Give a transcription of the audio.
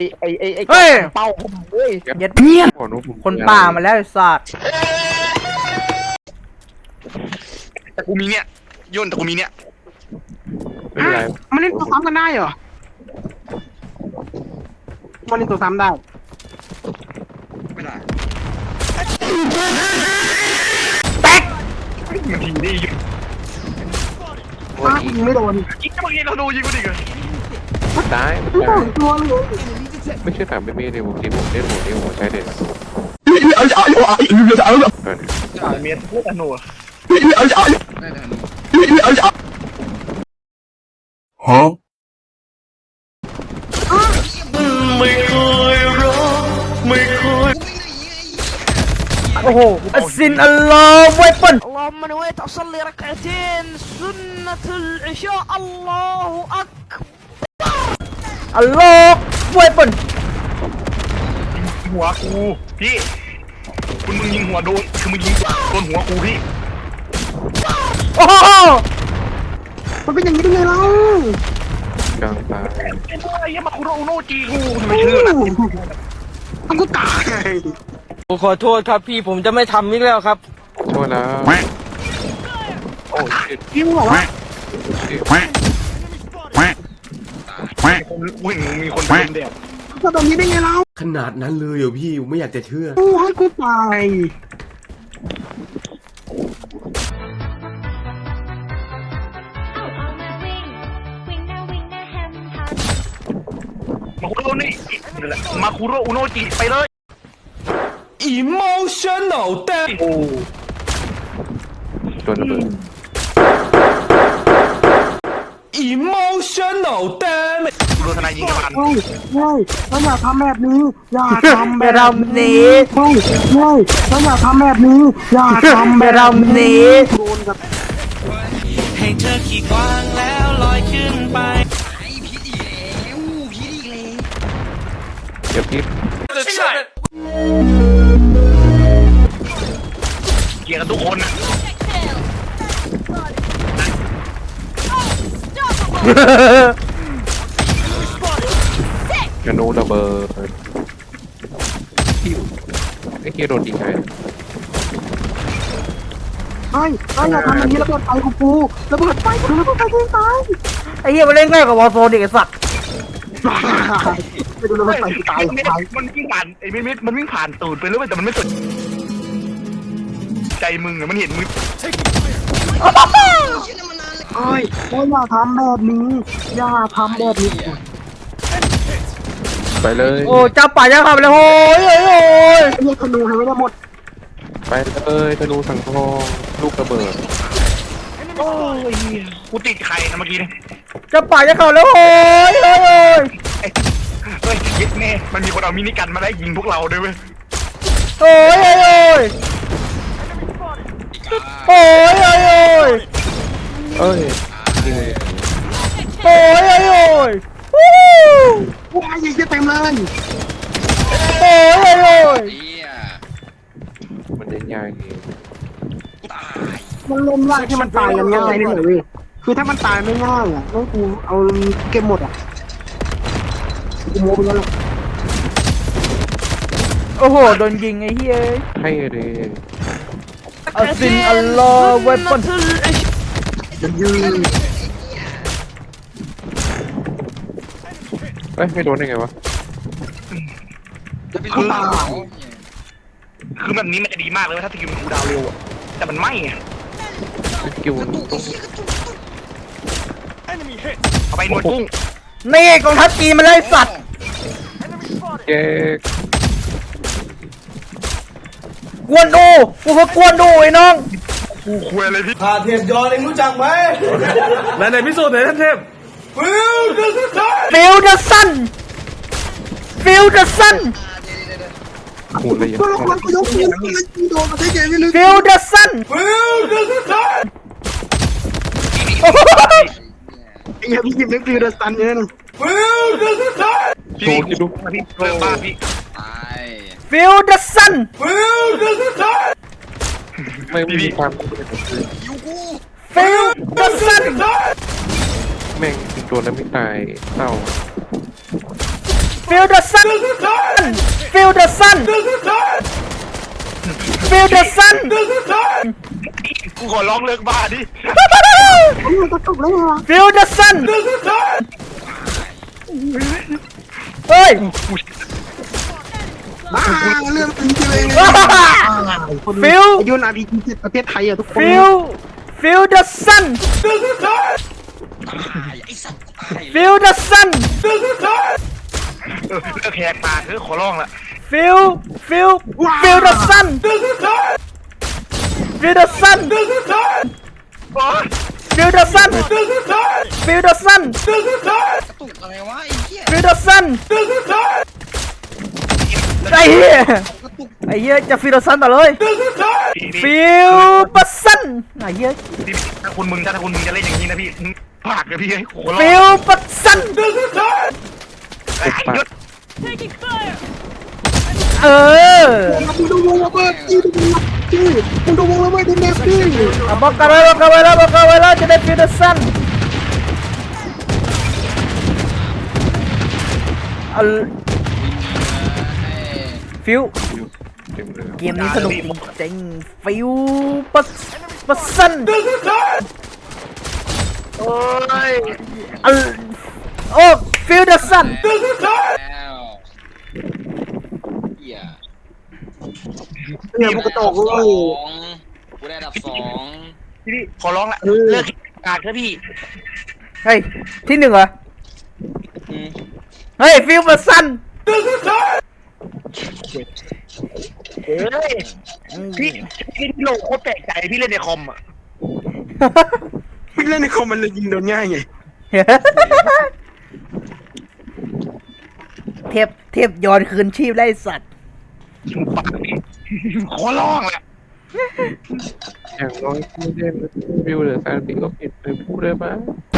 ไอ้เฮ้ยเป้าเฮ้ยเย็ดเพี้ยนคนป่ามาแล้วไอ้สัตว์แต่กูมีเนี่ยย่นแต่กูมีเนี่ยไม่เป็นไรมันเล่นตัวซ้ำกันได้เหรอมันเล่นตัวซ้ำได้ไม่ได้แตกมันทีได้ยิงยิงไม่โดนยิงเมื่อกี้เราดูยิงกูดิกันตายไม่โดนตัวเลยไม่ใช่ถามไม่มีในวงที่ผมเล่นหัวนี้หัวใช้เด็ดเมียเลือดหนูโอ้โหอัสซินอัลลอฮ์ไวเปิล اللهم نويت أصلي ركعتين سنة العشاء الله أكبر อัลลอฮ์ไวเปิลหัวกูพี่คุณมึงยิงหัวโดนคือมึงยิงโดนหัวกูพี่โอ้โหมันเป็นอย่างนี้ได้ไงเล่ากลางตายไอ้ยังมาคุโรโนจีกูทำไมเชื่อล่ะมันก็ตายผมขอโทษครับพี่ผมจะไม่ทำอีกแล้วครับโทษแล้วโอ้ยพี่มึงบอกว่ากูเห็นมีคนเป็นเด็กจะแบบนี้ได้ไงเล่าขนาดนั้นเลยเหรอพี่ผมไม่อยากจะเชื่อกูให้กูตายมาคุโรนี่มาคุโรอุโนจิไปเลย emotional damn โอ้โดนระเบิด emotional damn กูโดนทนายยิงกระบาลเฮ้ยแล้วอย่าทำแบบนี้อย่าทำไปแบบรำนี้เฮ้ยแล้วอย่าทำแบบนี้อย่าทำไปแบบรำนี้โดนกับให้เธอขี่กวางแล้วลอยขึ้นไปเดี๋ยวพี่เกลียดกันทุกคนนะกระนูระเบิดไอ้เคียโดนยิงไงเฮ้ยอย่าทำแบบนี้ระเบิดไฟกูปูระเบิดไฟกูระเบิดไฟกูตายไอ้เหี้ยมันเล่นง่ายกว่าวอร์โซนอีกไอ้สัตว์ไปดูระเบิดไฟกูตายมันวิ่งผ่านไอ้มิดมันวิ่งผ่านตูดไปแล้วแต่มันไม่สนใจมึงอะมันเห็นมึงเฮ้ยแล้วอย่าทำแบบนี้อย่าทำแบบนี้ไปเลยโอ้จับป่าจับขับเลยโอ้ยโอ้ยโอ้ยเรียกธนูให้ไม่ได้หมดไปเลยธนูสังทองลูกระเบิดโอ้ยกูติดใครนะเมื่อกี้เนี่ยจับป่าจับขับเลยโอ้ยโอ้ยโอ้ยเฮ้ยยึดแน่มันมีคนเอามินิกันมาไล่ยิงพวกเราด้วยเว้ยโอ้ยโอ้ยโอ้ยโอ้ยโอ้ยเอ้ยยิงเลยโอ้ยโอ้ยโอ้ยวู้ว้ายยิงจะเต็มเลยโอ้ยโอ้ยโอ้ยมันเล่นยากเองมันเล่นยากที่มันตายกันง่ายนี่แหละเว้ยคือถ้ามันตายไม่ง่ายอ่ะต้องกูเอาเกมหมดอ่ะกูโม้ไปแล้วแหละโอ้โหโดนยิงไอ้เหี้ยให้เลยอัสซินอัลลอฮ์ไวเปิลมันยืนเอ้ยไม่โดนได้ไงวะกูตายคือแบบนี้มันจะดีมากเลยถ้าสกิลมันคูลดาวน์เร็วอะแต่มันไม่ไงสกิลต้องเอาไปหนวดกุ้งนี่กองทัพจีนมาเลยสัตว์แยกกวนดูกูก็กวนดูไอ้น้องกูคุยอะไรพี่พาเทพยอนเองรู้จักไหมไหนพิสูจน์หน่อยท่านเทพฟิลเดอร์สตาร์ฟิลเดอร์ซันฟิลเดอร์ซันขูดละเอียดตัวละครกูยกมือแล้วกูโดนมาได้ไงไม่รู้ฟิลเดอร์ซันฟิลเดอร์สตาร์ไอ้เหี้ยพี่ยิมเล็กฟิวเดอร์สตันเนี่ยนะฟิลเดอร์สตาร์พี่กูพี่เริ่มบ้าพี่ฟิลเดอร์ซันฟิลเดอร์สตาร์ไม่มีความฟิลเดอร์ซันแม่งโดนแล้วไม่ตายเศร้าฟ feel the sun feel the sun feel the sun กูขอร้องเลิกบ้าดิมันกระตุกได้ไงวะ feel the sun เฮ้ยบ้าเรื่องจริงเลยฟิวอายุนาพีจิตประเทศไทยอ่ะทุกคน feel the sun feel the sun เลิกแหกปากขอร้องละ feel the sun feel the sun feel the sun feel the sun feel the sun ไอ้เหี้ยจะ feel the sun ต่อเลย feel the sun ไอ้เหี้ยพี่ถ้าคุณมึงจะเล่นอย่างนี้นะพี่ปากเลยพี่ขอร้อง feel the sun หยุดเออมึงดูวงระเบิดจี้มึงดูวงระเบิดดิเนสจี้บอกกันไว้แล้วจะได้ feel the sun ฟิวเต็มเลยเกมนี้สนุกจริงฟิวปัสสันโอ้ยโอ้ฟิวเดอร์สันเนี่ยพวกกระโตกเลยกูได้อันดับ 2 พี่ขอร้องละเลิกปากเถอะพี่เฮ้ยที่หนึ่งเหรออืมเฮ้ยฟิวปัสสันเฮ้ยพี่โลกโคตรแปลกใจพี่เล่นในคอมอ่ะไม่เล่นในคอมมันเลยยิงโดนง่ายไงเทพย้อนคืนชีพได้สัตว์ปากขอร้องละอย่างน้อยไม่ได้วิวหรือแฟนปีก็ผิดไปพูดได้ปะ